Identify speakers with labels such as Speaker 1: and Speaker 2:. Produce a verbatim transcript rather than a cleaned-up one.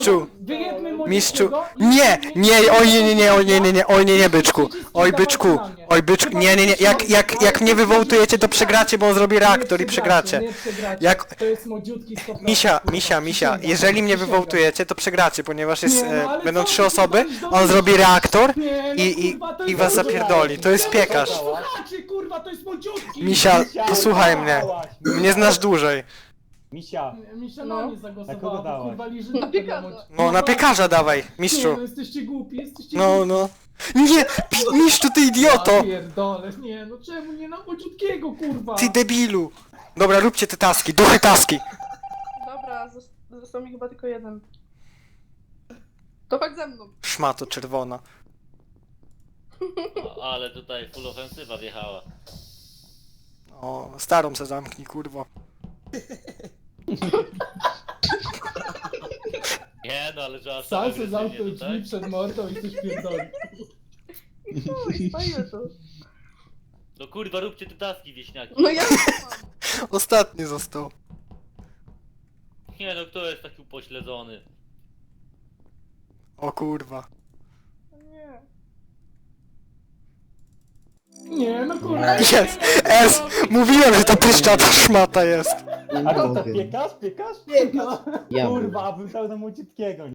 Speaker 1: Mistrzu,
Speaker 2: Wyjedmy mu
Speaker 1: mistrzu,
Speaker 2: niego i-
Speaker 1: nie,
Speaker 2: i-
Speaker 1: nie, oj nie, nie, nie, oj nie, nie, nie, oj nie, nie, byczku, oj byczku, oj byczku, nie, nie, nie, jak, jak, jak mnie wywołtujecie, to przegracie, bo on zrobi reaktor i przegracie.
Speaker 2: Nie przegracie,
Speaker 1: Jak-
Speaker 2: to jest młodziutki sto procent,
Speaker 1: Misia,
Speaker 2: kurwa,
Speaker 1: misia, misia,
Speaker 2: przysięgam,
Speaker 1: jeżeli mnie
Speaker 2: przysięgam.
Speaker 1: wywołtujecie, to przegracie, ponieważ jest,
Speaker 2: Nie, no, ale
Speaker 1: e, będą
Speaker 2: co
Speaker 1: trzy
Speaker 2: ty,
Speaker 1: osoby,
Speaker 2: kurwa,
Speaker 1: on zrobi reaktor
Speaker 2: Nie, no,
Speaker 1: i, i,
Speaker 2: kurwa, to
Speaker 1: i
Speaker 2: jest
Speaker 1: was
Speaker 2: młodziutki.
Speaker 1: zapierdoli, to jest piekarz.
Speaker 2: Słuchajcie, kurwa, to jest młodziutki!
Speaker 1: Misia, posłuchaj mnie, mnie znasz dłużej.
Speaker 3: Misia,
Speaker 2: Misia
Speaker 4: No.
Speaker 2: na mnie
Speaker 3: Na kogo
Speaker 2: zagłosowała,
Speaker 3: dałaś?
Speaker 2: kurwa, liży
Speaker 4: Na piekarza.
Speaker 1: No na piekarza dawaj,
Speaker 2: Nie,
Speaker 1: mistrzu.
Speaker 2: no jesteście głupi, jesteście
Speaker 1: No,
Speaker 2: głupi.
Speaker 1: no. Nie, pi- mistrzu, ty idioto!
Speaker 2: Ja pierdolę, nie, no czemu nie na młodziutkiego, kurwa?
Speaker 1: Ty debilu! Dobra, róbcie te taski, duchy taski!
Speaker 4: Dobra, zos- został mi chyba tylko jeden. To chodź ze mną.
Speaker 1: Szmato czerwona.
Speaker 5: O, ale tutaj full ofensywa wjechała.
Speaker 1: O, starą se zamknij, kurwo.
Speaker 5: Nie no, ale że aż tak
Speaker 2: Sam se
Speaker 5: agresywnie
Speaker 2: zamknął
Speaker 5: tutaj.
Speaker 2: drzwi przed mordą i coś pierdoli.
Speaker 4: I chuj, stoimy tu.
Speaker 5: No kurwa, róbcie te taski, wieśniaki.
Speaker 4: No ja mam.
Speaker 1: Ostatni został.
Speaker 5: Nie no, kto jest taki upośledzony?
Speaker 1: O kurwa.
Speaker 4: Nie.
Speaker 2: Nie, no kurwa.
Speaker 1: Jest! S! Mówiłem, że ta pryszczata szmata jest.
Speaker 3: a kto to piekarz, piekarz?
Speaker 2: Pieka.
Speaker 6: Ja
Speaker 3: Kurwa, bym dał na młodziutkiego.